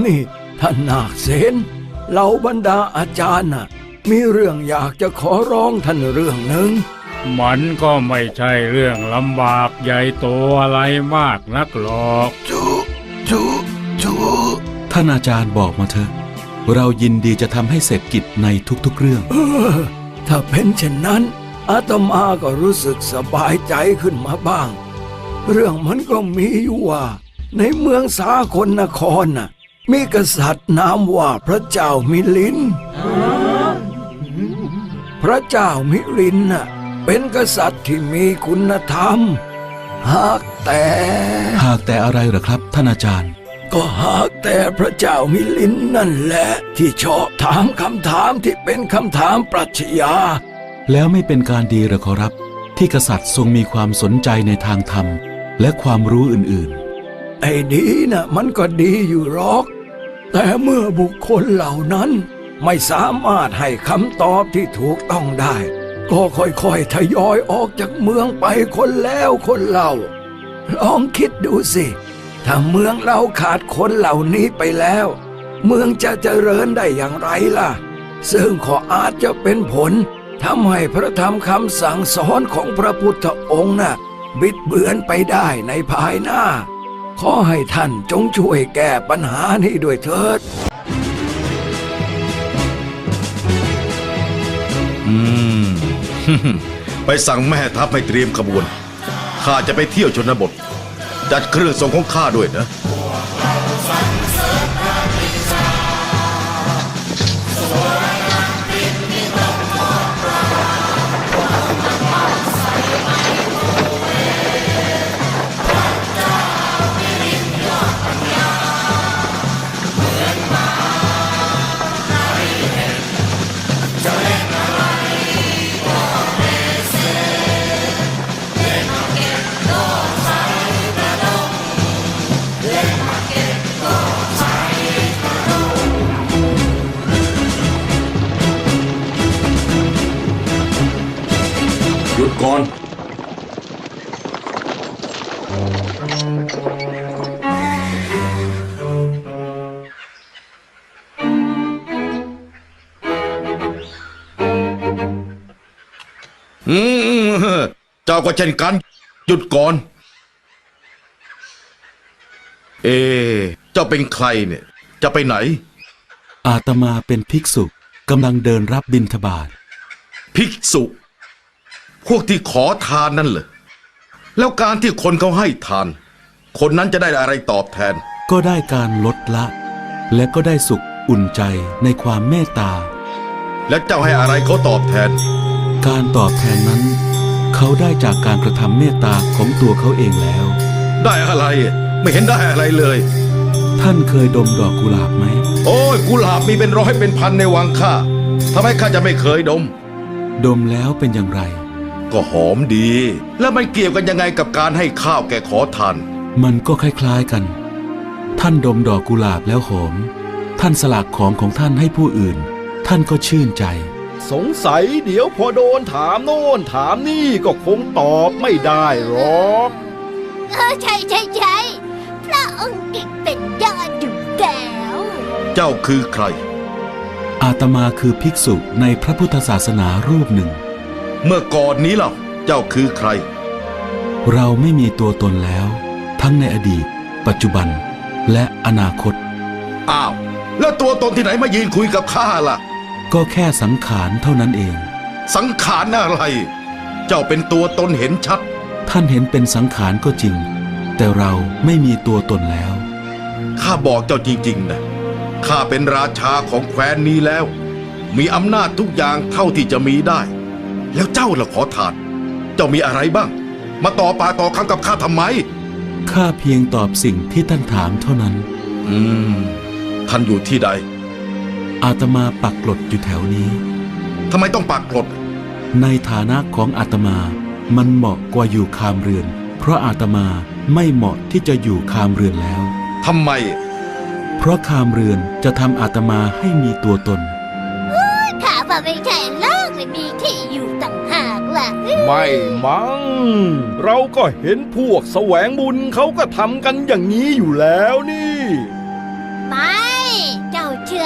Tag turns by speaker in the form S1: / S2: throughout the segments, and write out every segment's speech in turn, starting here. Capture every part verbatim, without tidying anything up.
S1: นี่ท่านนาคเสนเหล่าบรรดาอาจารย์น่ะมีเรื่องอยากจะขอร้องท่านเรื่องหนึ่ง
S2: มันก็ไม่ใช่เรื่องลำบากใหญ่โตอะไรมากนักหรอก
S1: จูจูจู
S3: ท่านอาจารย์บอกมาเถอะเรายินดีจะทำให้เสร็จกิจในทุกๆเรื่อง
S1: เออถ้าเป็นเช่นนั้นอาตมาก็รู้สึกสบายใจขึ้นมาบ้างเรื่องมันก็มีอยู่ว่าในเมืองสากลนครน่ะมีกษัตริย์นามว่าพระเจ้ามิลินพระเจ้ามิลินน่ะเป็นกษัตริย์ที่มีคุณธรรมหากแต่
S3: หากแต่อะไรเหรอครับท่านอาจารย์
S1: ก็หากแต่พระเจ้ามิลินนั่นแหละที่ชอบถามคำถามที่เป็นคำถามปรัชญา
S3: แล้วไม่เป็นการดีหรือขอรับที่กษัตริย์ทรงมีความสนใจในทางธรรมและความรู้อื่น
S1: ๆไอ้ดีนะมันก็ดีอยู่หรอกแต่เมื่อบุคคลเหล่านั้นไม่สามารถให้คำตอบที่ถูกต้องได้ก็ค่อยๆทยอยออกจากเมืองไปคนแล้วคนเล่าลองคิดดูสิถ้าเมืองเราขาดคนเหล่านี้ไปแล้วเมืองจะเจริญได้อย่างไรล่ะซึ่งก็อาจจะเป็นผลทำให้พระธรรมคำสั่งสอนของพระพุทธองค์น่ะบิดเบือนไปได้ในภายหน้าขอให้ท่านจงช่วยแก้ปัญหานี้ด้วยเถิด
S4: อืม ไปสั่งแม่ทัพให้เตรียมขบวนข้าจะไปเที่ยวชนบทจัดเครื่องทรงของข้าด้วยนะ
S5: หยุดก่อน
S4: อืมเจ้าก็เช่นกันหยุดก่อนเอเจ้าเป็นใครเนี่ยจะไปไหน
S3: อาตมาเป็นภิกษุกำลังเดินรับบิณฑบาต
S4: ภิกษุพวกที่ขอทานนั่นเหรอแล้วการที่คนเขาให้ทานคนนั้นจะได้อะไรตอบแทน
S3: ก็ได้การลดละและก็ได้สุขอุ่นใจในความเมตตา
S4: และเจ้าให้อะไรเขาตอบแทน
S3: การตอบแทนนั้นเขาได้จากการกระทำเมตตาของตัวเขาเองแล้ว
S4: ได้อะไรไม่เห็นได้อะไรเลย
S3: ท่านเคยดมดอกกุหลาบไหม
S4: โอ้ยกุหลาบมีเป็นร้อยเป็นพันในวังข้าทำไมข้าจะไม่เคยดม
S3: ดมแล้วเป็นอย่างไร
S4: ก็หอมดีแล้วมันเกี่ยวกันยังไงกับการให้ข้าวแก่ขอทาน
S3: มันก็คล้ายๆกันท่านดมดอกกุหลาบแล้วหอมท่านสละของของท่านให้ผู้อื่นท่านก็ชื่นใจ
S1: สงสัยเดี๋ยวพอโดนถามโน่นถามนี่ก็คงตอบไม่ได้หรอก
S6: เออใช่ใช่ใช่พระองค์เก่งเป็นยอดอยู่แล้ว
S4: เจ้าคือใคร
S3: อาตมาคือภิกษุในพระพุทธศาสนารูปหนึ่ง
S4: เมื่อก่อนนี้ล่ะเจ้าคือใคร
S3: เราไม่มีตัวตนแล้วทั้งในอดีตปัจจุบันและอนาคต
S4: อ้าวแล้วตัวตนที่ไหนมายืนคุยกับข้าล่ะ
S3: ก็แค่สังขารเท่านั้นเอง
S4: สังขารอะไรเจ้าเป็นตัวตนเห็นชัด
S3: ท่านเห็นเป็นสังขารก็จริงแต่เราไม่มีตัวตนแล้ว
S4: ข้าบอกเจ้าจริงๆนะข้าเป็นราชาของแคว้นนี้แล้วมีอำนาจทุกอย่างเท่าที่จะมีได้แล้วเจ้าล่ะขอทานเจ้ามีอะไรบ้างมาต่อปากต่อคำกับข้าทำไม
S3: ข้าเพียงตอบสิ่งที่ท่านถามเท่านั้น
S4: อืมท่านอยู่ที่ใด
S3: อาตมาปักกลดอยู่แถวนี้
S4: ทำไมต้องปักกลด
S3: ในฐานะของอาตมามันเหมาะกว่าอยู่คามเรือนเพราะอาตมาไม่เหมาะที่จะอยู่คามเรือนแล้ว
S4: ทำไม
S3: เพราะคามเรือนจะทำอาตมาให้มีตัวตน
S6: ข้าว่าไม่ใช่โลกเลยมีที่อยู่ต่างหากล่ะ
S1: ไม่มั้งเราก็เห็นพวกแสวงบุญเขาก็ทำกันอย่างนี้อยู่แล้วนี่
S6: ไม่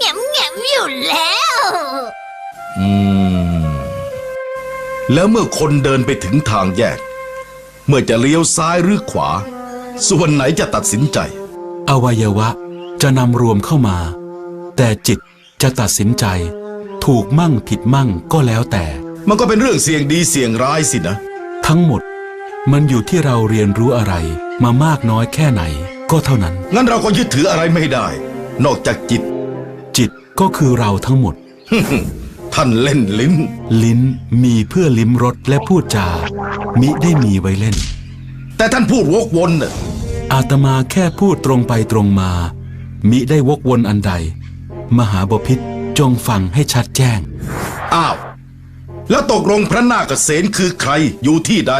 S6: แง่มแง่มอยู่แล้ว
S4: อืม แล้วเมื่อคนเดินไปถึงทางแยก เมื่อจะเลี้ยวซ้ายหรือขวา ส่วนไหนจะตัดสินใจ
S3: อวัยวะจะนำรวมเข้ามา แต่จิตจะตัดสินใจ ถูกมั่งผิดมั่งก็แล้วแต่
S4: มันก็เป็นเรื่องเสี่ยงดีเสี่ยงร้ายสินะ
S3: ทั้งหมดมันอยู่ที่เราเรียนรู้อะไรมามากน้อยแค่ไหนก็เท่านั้น
S4: งั้นเราก็ยึดถืออะไรไม่ได้ นอกจากจิต
S3: จิตก็คือเราทั้งหมด
S4: ท่านเล่นลิ้น
S3: ลิ้นมีเพื่อลิ้มรสและพูดจา มิได้มีไว้เล่น
S4: แต่ท่านพูดวกวนน่ะ
S3: อาตมาแค่พูดตรงไปตรงมา มิได้วกวนอันใด มหาบพิตรจงฟังให้ชัดแจ้ง
S4: อ้าว แล้วตกลงพระนาคเษนคือใครอยู่ที่ใด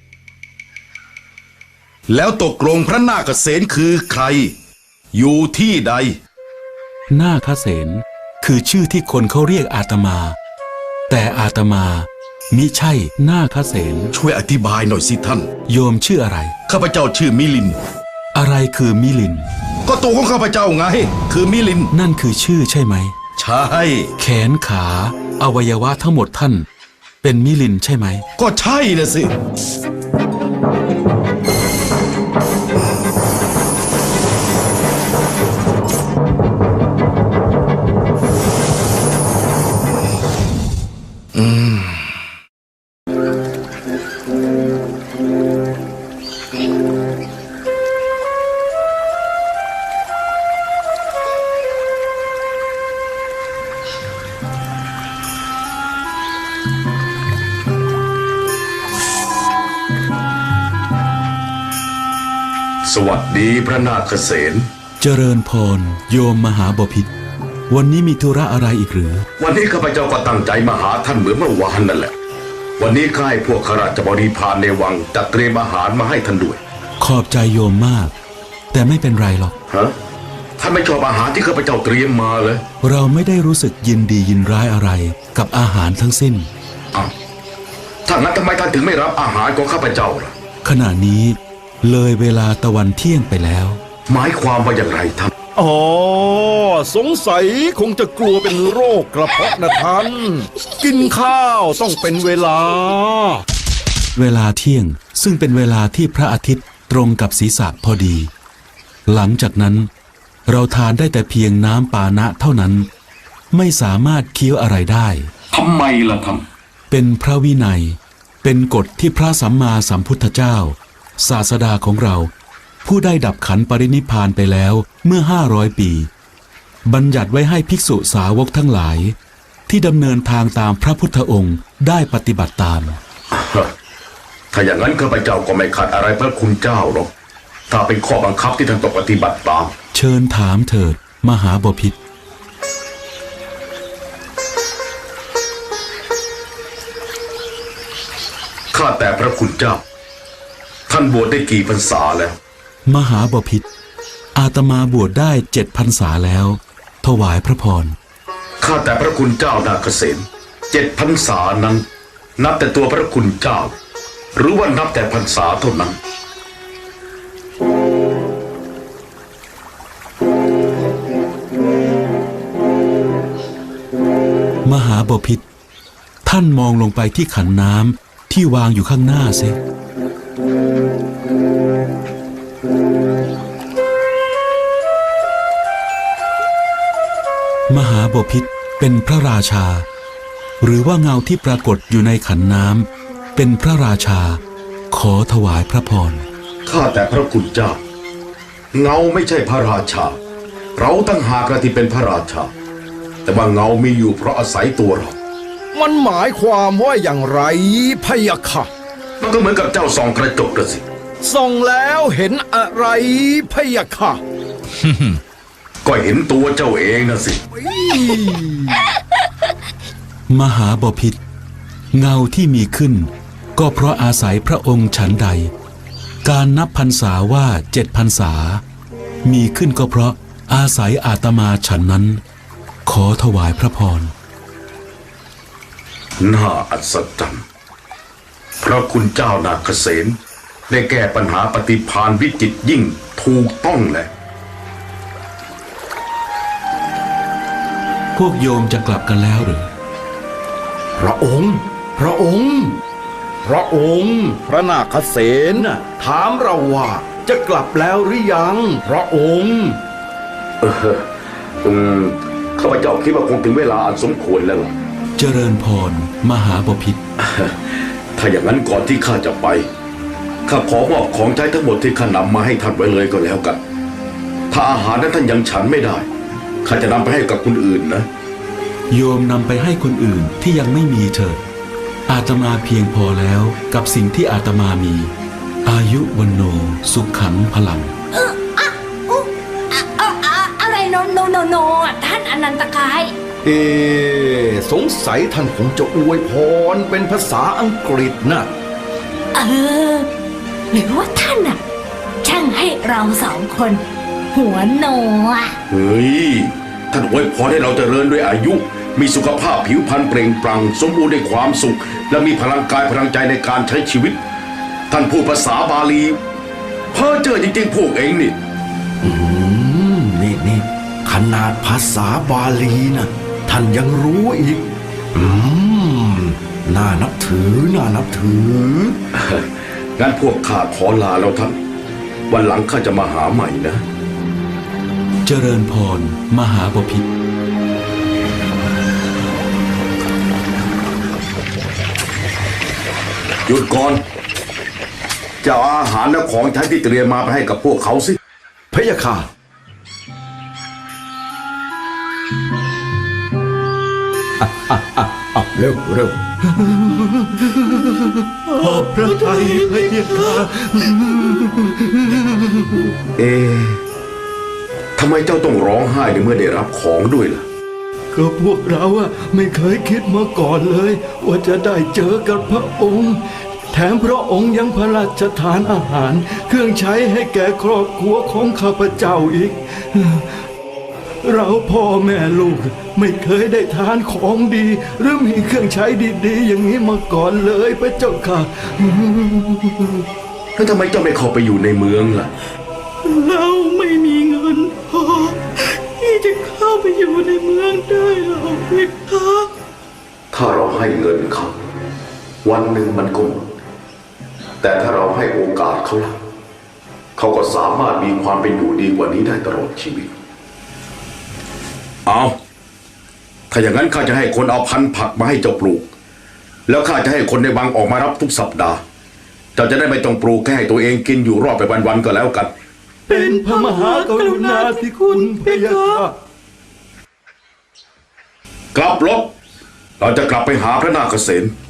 S4: แล้วตกลงพระนาคเษนคือใคร อยู่ที่ใด
S3: นาคเษนคือชื่อที่คนเขาเรียกอาตมา แต่อาตมามิใช่นาคเษน
S4: ช่วยอธิบายหน่อยสิท่าน
S3: โยมชื่ออะไร
S4: ข้าพเจ้าชื่อมิลิน
S3: อะไรคือมิลิน
S4: ก็ตัวของข้าพเจ้าไง คือมิลิน
S3: นั่นคือชื่อใช่ไหม
S4: ใช่
S3: แขนขาอวัยวะทั้งหมดท่าน เป็นมิลินใช่ไหม
S4: ก็ใช่นะสิ อืม
S5: สวัสดีพระนาคเษน
S3: เจริญพรโยมมหาบพิตรวันนี้มีธุระอะไรอีกหรือ
S5: วันนี้ข้าพเจ้าก็ตั้งใจมาหาท่านเหมือนเมื่อวานนั่นแหละ วันนี้ข้าให้พวกข้าราชบริพารในวังจัดเตรียมอาหารมาให้ท่านด้วย
S3: ขอบใจโยมมาก แต่ไม่เป็นไรหรอก
S5: ฮะ ท่านไม่ชอบอาหารที่ข้าพเจ้าเตรียมมาเลย
S3: เราไม่ได้รู้สึกยินดียินร้ายอะไรกับอาหารทั้งสิ้น
S5: อ้าวถ้างั้นทำไมท่านถึงไม่รับอาหารของข้าพเจ้าล่ะ
S3: ขณะนี้เลยเวลาตะวันเที่ยงไปแล้ว
S5: หมายความว่าอย่างไรท่าน
S1: อ๋อ สงสัยคงจะกลัวเป็นโรคกระเพาะนะท่าน กินข้าวต้องเป็นเวลา
S3: เวลาเที่ยงซึ่งเป็นเวลาที่พระอาทิตย์ตรงกับศีรษะพอดี หลังจากนั้นเราทานได้แต่เพียงน้ำปานะเท่านั้น ไม่สามารถเคี้ยวอะไรได้
S5: ทำไมล่ะท่าน
S3: เป็นพระวินัย เป็นกฎที่พระสัมมาสัมพุทธเจ้า ศาสดาของเรา ผู้ได้ดับขันปรินิพพานไปแล้วเมื่อห้าร้อยปี บัญญัติไว้ให้ภิกษุสาวกทั้งหลาย ที่ดำเนินทางตามพระพุทธองค์ได้ปฏิบัติตาม
S5: ถ้าอย่างนั้นข้าพเจ้าก็ไม่ขัดอะไรพระคุณเจ้าหรอก ถ้าเป็นข้อบังคับที่ท่านต้องปฏิบัติตาม
S3: เชิญถามเถิดมหาบพิตร
S5: ข้าแต่พระคุณเจ้า ท่านบวชได้กี่พรรษาแล้ว
S3: มหาบพิตรอาตมาบวชได้เจ็ดพรรษาแล้ว ถวายพระพร
S5: ข้าแต่พระคุณเจ้านาคเษนเจ็ดพรรษานั้น นับแต่ตัวพระคุณเจ้า หรือว่านับแต่พรรษาเท่านั้น
S3: มหาบพิตรท่านมองลงไปที่ขันน้ำที่วางอยู่ข้างหน้าเสียมหาบพิตรเป็นพระราชา หรือว่าเงาที่ปรากฏอยู่ในขันน้ำเป็นพระราชา ขอถวายพระพร
S5: ข้าแต่พระคุณเจ้า เงาไม่ใช่พระราชา เราตั้งหากที่เป็นพระราชา แต่ว่าเงามีอยู่เพราะอาศัยตัวเรา
S1: มันหมายความว่าอย่างไรพะยะค่ะ
S5: มันก็เหมือนกับเจ้าส่องกระจกน่ะสิ
S1: ส่องแล้วเห็นอะไรพะยะค่ะ
S5: ก็เห็นตัวเจ้าเองนะสิ
S3: มหาบพิตรเงาที่มีขึ้น ก็เพราะอาศัยพระองค์ฉันใด การนับพรรษาว่าเจ็ดพรรษา มีขึ้นก็เพราะอาศัยอาตมาฉันนั้น ขอถวายพระพร
S5: น่าอัศจรรย์พระคุณเจ้านาคเษนได้แก้ปัญหาปฏิภาณวิจิตรยิ่งถูกต้องแหละ
S3: วกโยมจะกลับกันแล้วหรือ
S1: พระองค์ พระองค์ พระองค์ พระนาคเษนน่ะถามเราว่าจะกลับแล้วหรือยัง พระองค์
S5: เอออืมข้าพเจ้าคิดว่าคงถึงเวลาอันสมควรแล้วล่ะ
S3: เจริญพรมหาบพิตร
S5: ถ้าอย่างนั้นก่อนที่ข้าจะไปข้าขอมอบของใช้ทั้งหมดที่ข้านำมาให้ท่านไว้เลยก็แล้วกัน ถ้าอาหารนั้นท่านยังฉันไม่ได้ข้าจะนำไปให้กับคนอื่นนะ
S3: โยมนำไปให้คนอื่นที่ยังไม่มีเถิดอาตมาเพียงพอแล้วกับสิ่งที่อาตมามี อายุวันโนสุขขังพลัง
S7: เอออะอุ๊อะอะอะอะไรโนโนโนโนอะท่านอนันตกาย
S1: เอสงสัยท่านคงจะอวยพรเป็นภาษาอังกฤษนะ
S7: เออ หรือว่าท่านอะช่างให้เราสองคน หัวโนอะ
S5: เฮ้ยท่านอวยพรให้เราเจริญด้วยอายุ มีสุขภาพผิวพรรณเปล่งปลั่งสมบูรณ์ด้วยความสุข และมีพลังกายพลังใจในการใช้ชีวิต ท่านพูดภาษาบาลีเพ้อเจ้อจริงๆพวกเองนี่
S1: อืมนี่นี่ขนาดภาษาบาลีนะท่านยังรู้อีก อืมน่านับถือน่านับถือ
S5: งั้นพวกข้าขอลาแล้วท่าน วันหลังข้าจะมาหาใหม่นะ
S3: เจริญพรมหาบพิตร
S5: หยุดก่อนจะเอาอาหารและของใช้ที่เตรียมมาไปให้กับพวกเขาสิ
S1: พะยะค่ะอ่ะอ่ะอ่ะอ่ะเร็วเร็วขอบพระทัยพะยะค่ะ
S5: เอ๊ะทำไมเจ้าต้องร้องไห้ในเมื่อได้รับของด้วยล่ะ
S1: ก็พวกเราอะไม่เคยคิดมาก่อนเลย ว่าจะได้เจอกับพระองค์ แถมพระองค์ยังพระราชทานอาหาร เครื่องใช้ให้แก่ครอบครัวของข้าพเจ้าอีก เราพ่อแม่ลูกไม่เคยได้ทานของดี หรือมีเครื่องใช้ดีๆ อย่างนี้มาก่อนเลยพระเจ้าค่ะ
S5: แล้วทำไมเจ้าไม่เข้าไปอยู่ในเมืองล่ะ
S8: เราไม่มีเงินพอที่จะเข้าไปอยู่ในเมืองได้หรอกเพคะ
S5: ถ้าเราให้เงินเขาวันหนึ่งมันก็หมดแต่ถ้าเราให้โอกาสเขาล่ะเขาก็สามารถมีความเป็นอยู่ดีกว่านี้ได้ตลอดชีวิต เอาถ้าอย่างนั้นข้าจะให้คนเอาพันธุ์ผักมาให้เจ้าปลูก แล้วข้าจะให้คนในวังออกมารับทุกสัปดาห์เจ้าจะได้ไม่ต้องปลูกแค่ให้ตัวเองกินอยู่รอดไปวันๆก็แล้วกัน
S1: เป็นพระมหากรุณาธิคุณพะยะค่ะ
S5: กลับรถเราจะกลับไปหาพระนาคเษน